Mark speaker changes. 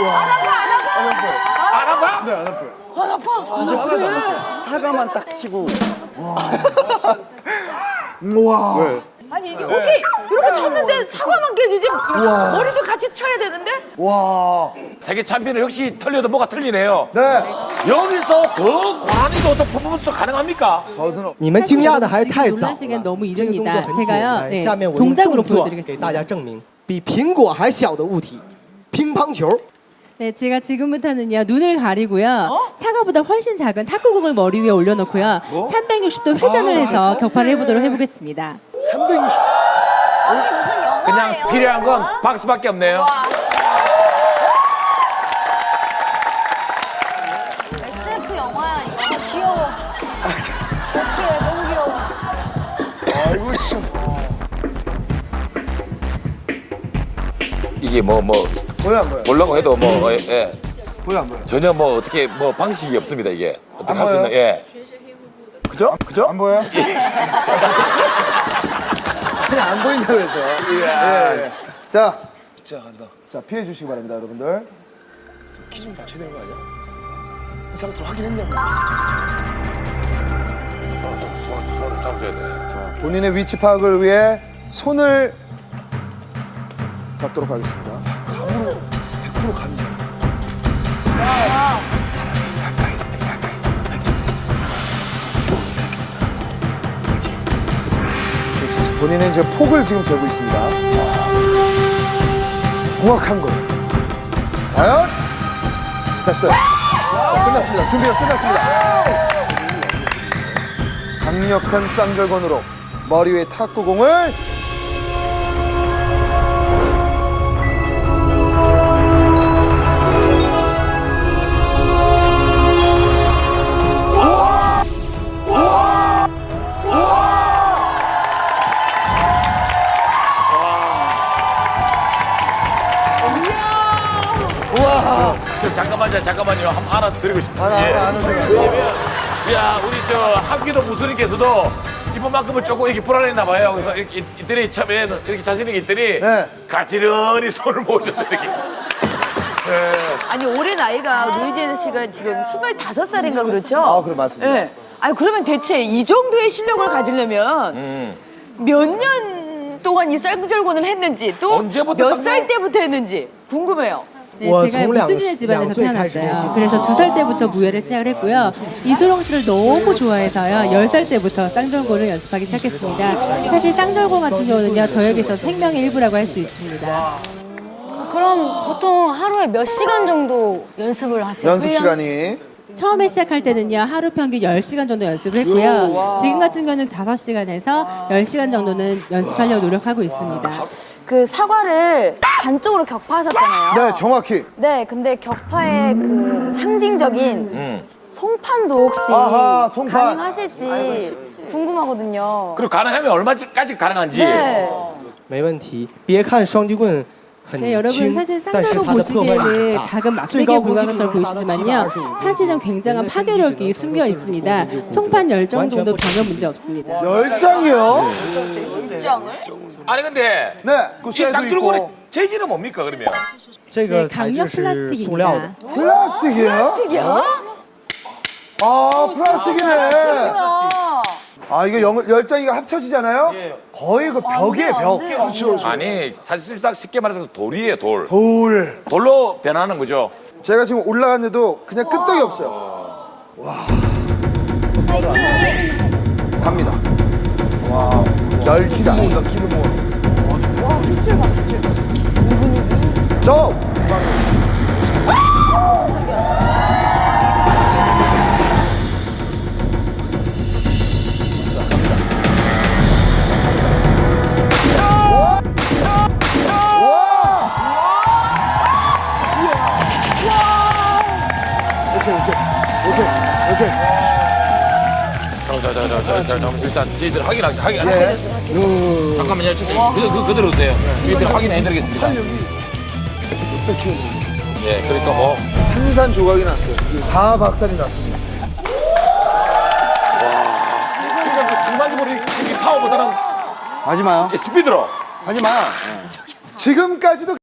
Speaker 1: 안 아파?
Speaker 2: 네, 안 아파요.
Speaker 3: 안 아파. 안 아파.
Speaker 4: 사과만 딱 치고.
Speaker 2: 우와. 네.
Speaker 3: 아니 이게 어떻게 이렇게 쳤는데 사과만 깨지지? 머리도 같이 쳐야 되는데?
Speaker 2: 와.
Speaker 1: 세계 챔피언은 역시 틀려도 뭐가 틀리네요.
Speaker 2: 네.
Speaker 1: 여기서 더 고난이도 어떤 퍼포먼스도 가능합니까?
Speaker 2: 더더러.
Speaker 5: 你们惊讶的还太早了，
Speaker 6: 놀라시기엔 너무
Speaker 5: 这个动作
Speaker 6: 이릅니다.
Speaker 5: 很简
Speaker 6: 제가요,
Speaker 5: 单。
Speaker 6: 네,
Speaker 5: 下面我用
Speaker 6: 동작으로
Speaker 5: 动作给
Speaker 6: 보여드리겠습니다.
Speaker 5: 大家证明，比苹果还小的物体，乒乓球。
Speaker 6: 네, 제가 지금부터는요 눈을 가리고요 사과보다 훨씬 작은 탁구공을 머리 위에 올려놓고요 360도 회전을 해서 격파를 해보도록 해보겠습니다.
Speaker 2: 360.
Speaker 1: 그냥 필요한 건 박수밖에 없네요.
Speaker 3: SF 영화야 이거. 귀여워. 어떡해 너무 귀여워.
Speaker 2: 아이고 참.
Speaker 1: 이게 뭐
Speaker 2: 보여 안 보여?
Speaker 1: 보려고 해도 뭐 예.
Speaker 2: 보여 안 보여?
Speaker 1: 전혀 뭐 어떻게 뭐 방식이 없습니다 이게 어떻게
Speaker 2: 안
Speaker 1: 할 수 있는
Speaker 2: 보여요?
Speaker 1: 예. 그죠? 그죠?
Speaker 2: 안 보여? 그냥 안 보인다 그래서. 예. 자, 진짜 간다. 자 피해 주시기 바랍니다, 여러분들. 키 좀 다쳐야 되는 거 아니야? 이 상태로 하긴 했냐고.
Speaker 1: 손을 잡으셔야 돼.
Speaker 2: 자, 본인의 위치 파악을 위해 손을 잡도록 하겠습니다. 감으로 100% 감이잖아. 사람이 가까이 있으면 가까이 있는 건 느끼겠어. 그렇지? 그렇지. 본인은 이제 폭을 지금 재고 있습니다. 정확한 거예요. 과연? 됐어요. 자, 끝났습니다. 준비가 끝났습니다. 강력한 쌍절곤으로 머리 위에 탁구공을
Speaker 1: 저 잠깐만요. 한번 하나 드리고 싶습니다.
Speaker 2: 하나 생각했어요.
Speaker 1: 야, 우리 저 학기도 무술님께서도 이번만큼은 조금 이렇게 불안했나 봐요. 그래서 이렇게 이들이 참에 이렇게 자신 있게 있더니
Speaker 2: 네.
Speaker 1: 가지런히 손을 모으셔서 이렇게.
Speaker 3: 아니 올해 나이가 루이지애나 씨가 지금 25살인가 그렇죠?
Speaker 2: 아, 그래 맞습니다.
Speaker 3: 네. 아니 그러면 대체 이 정도의 실력을 가지려면 몇 년 동안 이 쌍절곤을 했는지 또
Speaker 1: 언제부터
Speaker 3: 몇
Speaker 1: 쌍절-
Speaker 3: 살 때부터 했는지 궁금해요.
Speaker 6: 네,
Speaker 5: 와,
Speaker 6: 제가
Speaker 5: 성량
Speaker 6: 무술인의 집안에서
Speaker 5: 양수에 다시
Speaker 6: 태어났어요.
Speaker 5: 되시고.
Speaker 6: 그래서 2살 때부터 무예를 시작을 했고요. 이소룡 씨를 너무 좋아해서요. 10살 때부터 쌍절곤을 연습하기 시작했습니다. 사실 쌍절곤 같은 경우는요. 저에게서 생명의 일부라고 할 수 있습니다.
Speaker 7: 그럼 보통 하루에 몇 시간 정도 연습을 하세요?
Speaker 2: 연습
Speaker 7: 훈련?
Speaker 2: 시간이
Speaker 6: 처음에 시작할 때는요. 하루 평균 10시간 정도 연습을 했고요. 지금 같은 경우는 5시간에서 10시간 정도는 연습하려고 노력하고 있습니다.
Speaker 7: 그 사과를 반쪽으로 격파하셨잖아요.
Speaker 2: 네 정확히
Speaker 7: 네, 근데 격파의 그 상징적인 송판도 혹시
Speaker 2: 아하, 송판.
Speaker 7: 가능하실지 궁금하거든요.
Speaker 1: 그리고 가능하면 얼마까지 가능한지.
Speaker 7: 네.
Speaker 5: 没问题。别看双截棍很
Speaker 6: 네, 여러분
Speaker 5: 轻
Speaker 6: 사실 ，
Speaker 5: 但是
Speaker 6: 쌍절곤
Speaker 5: 它的破坏力
Speaker 6: 보시기에는
Speaker 5: 很大。
Speaker 6: 작은
Speaker 5: 最
Speaker 6: 막대기에
Speaker 5: 高攻击
Speaker 6: 불과한
Speaker 5: 力
Speaker 6: 것처럼
Speaker 5: 能达到
Speaker 6: 보이시지만요
Speaker 5: 725
Speaker 6: 사실은 굉장한 파괴력이 숨겨 있습니다. 송판 열정 정도 전혀 문제 없습니다.
Speaker 2: 열장이요?
Speaker 1: 아니 근데
Speaker 2: 네, 그
Speaker 1: 이
Speaker 2: 쇠도
Speaker 1: 쌍줄곤의
Speaker 2: 있고
Speaker 1: 재질은 뭡니까 그러면?
Speaker 5: 这
Speaker 6: 네,
Speaker 5: 个材质
Speaker 6: 강력
Speaker 5: 是塑料的
Speaker 6: 플라스틱입니다. 。
Speaker 2: 플라스틱이에요? 아 플라스틱이네. 아 이거 열장이가 합쳐지잖아요? 거의 그 벽이에요 벽. 그렇죠.
Speaker 1: 아니 사실상 쉽게 말해서 돌이에요 돌.
Speaker 2: 돌.
Speaker 1: 돌로 변하는 거죠.
Speaker 2: 제가 지금 올라갔는데도 그냥 끄떡이 없어요. 와. 갑니다. 와. 열장. 와 빛을 봐 빛을. 저. 오케이.
Speaker 1: 자, 일단 저희들 확인.
Speaker 2: 예.
Speaker 1: 잠깐만요. 그대로 돼요. 저희들 확인해드리겠습니다. 예, 그러니까 뭐
Speaker 2: 산산 조각이 났어요. 다 박살이 났습니다.
Speaker 1: 그러니까 그 순간적으로 이 파워보다는
Speaker 4: 하지 마요.
Speaker 1: 스피드로.
Speaker 4: 하지 마.
Speaker 2: 지금까지도